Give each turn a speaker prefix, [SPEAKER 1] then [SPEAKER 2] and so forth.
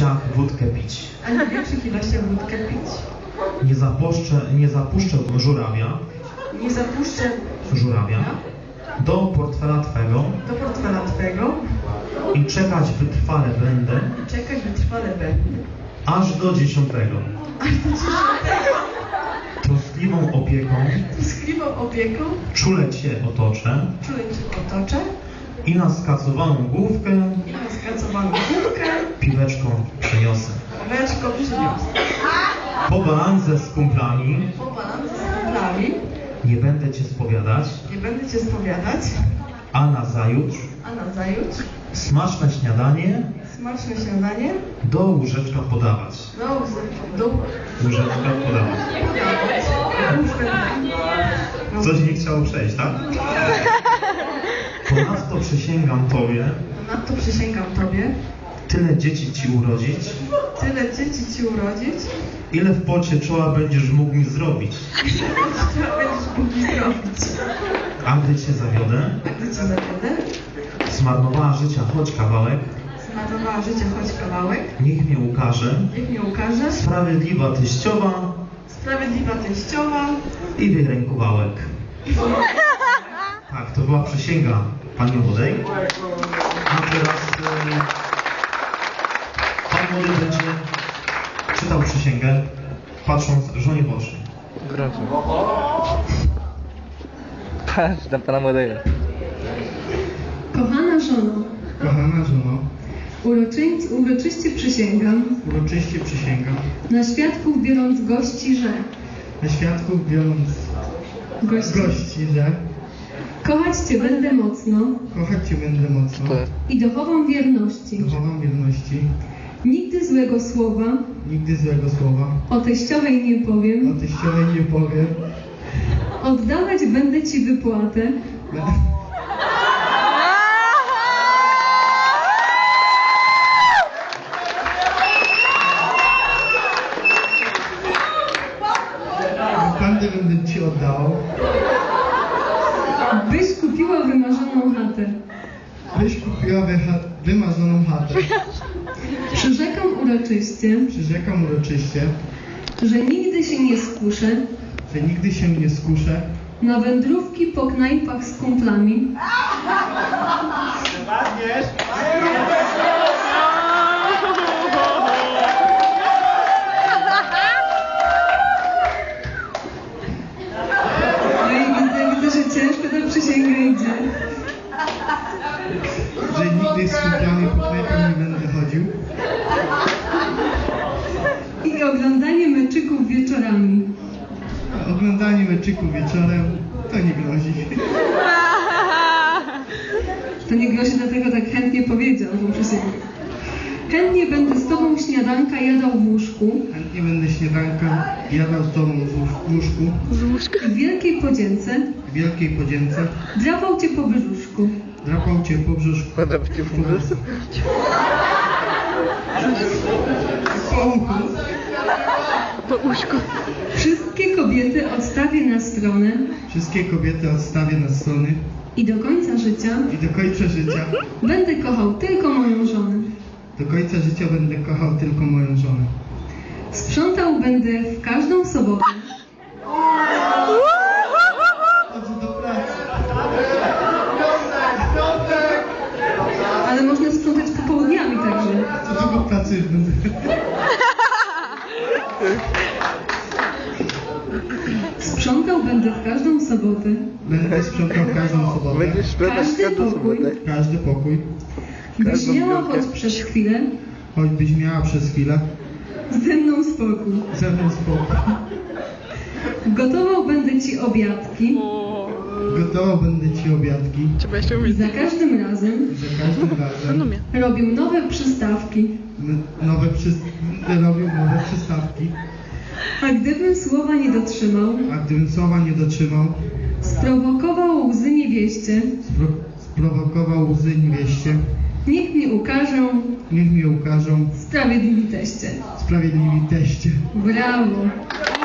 [SPEAKER 1] ilościach wódkę pić.
[SPEAKER 2] A nie w większych ilościach wódkę pić.
[SPEAKER 1] Nie zapuszczę żurawia do portfela Twego i czekać wytrwale będę aż do 10. Troskliwą opieką czule Cię otoczę i na skacowaną główkę piweczką przyniosę. Po balanze z kumplami nie będę Cię spowiadać, a nazajutrz smaczne śniadanie do łóżeczka podawać. Coś nie chciało przejść, tak? Ponadto przysięgam Tobie, tyle dzieci Ci urodzić, ile w pocie czoła będziesz mógł mi zrobić. A gdy Cię zawiodę, zmarnowała życia choć kawałek, niech mnie ukaże sprawiedliwa teściowa i wyrękowałek. Tak, to była przysięga pani młodej. A teraz pan młody będzie czytał przysięgę, patrząc żonie w oczy.
[SPEAKER 3] Patrz na pana młodego.
[SPEAKER 2] Kochana żono, uroczyście przysięgam, na świadków biorąc gości, że kochać Cię będę mocno i dochowam wierności. Nigdy złego słowa o teściowej nie powiem. Oddawać będę Ci wypłatę.
[SPEAKER 4] Będę Ci oddał.
[SPEAKER 2] Byś kupiła wymarzoną chatę. Przyrzekam uroczyście, że nigdy się nie skuszę na wędrówki po knajpach z kumplami. No i widzę, że ciężko ta przysięga idzie.
[SPEAKER 4] Że nigdy z kumplami po knajpach nie będę chodził.
[SPEAKER 2] I oglądanie meczyków wieczorami.
[SPEAKER 4] Oglądanie meczyków wieczorem to nie grozi.
[SPEAKER 2] To nie grozi, dlatego tak chętnie powiedział tą przysięgę. Chętnie będę z Tobą śniadanka jadał w łóżku.
[SPEAKER 4] Chętnie będę śniadanka jadał z Tobą w łóżku.
[SPEAKER 2] W wielkiej podzięce. Drapał Cię po brzuszku.
[SPEAKER 4] Po uszku.
[SPEAKER 2] Wszystkie kobiety odstawię na stronę. I do końca życia będę kochał tylko moją żonę. Sprzątał będę w każdą sobotę. Ale można sprzątać popołudniami także.
[SPEAKER 4] To tylko pracy już będę.
[SPEAKER 2] Sprzątał będę w każdą sobotę.
[SPEAKER 3] Będziesz sprzątać
[SPEAKER 2] Każdy pokój. Byś miała choćbyś miała przez chwilę ze mną spokój. Gotował będę Ci obiadki. I za każdym razem robił nowe przystawki. A gdybym słowa nie dotrzymał, sprowokował łzy niewieście. Niech mnie ukażą sprawiedliwi teście.
[SPEAKER 4] Sprawiedliwi teście.
[SPEAKER 2] Brawo!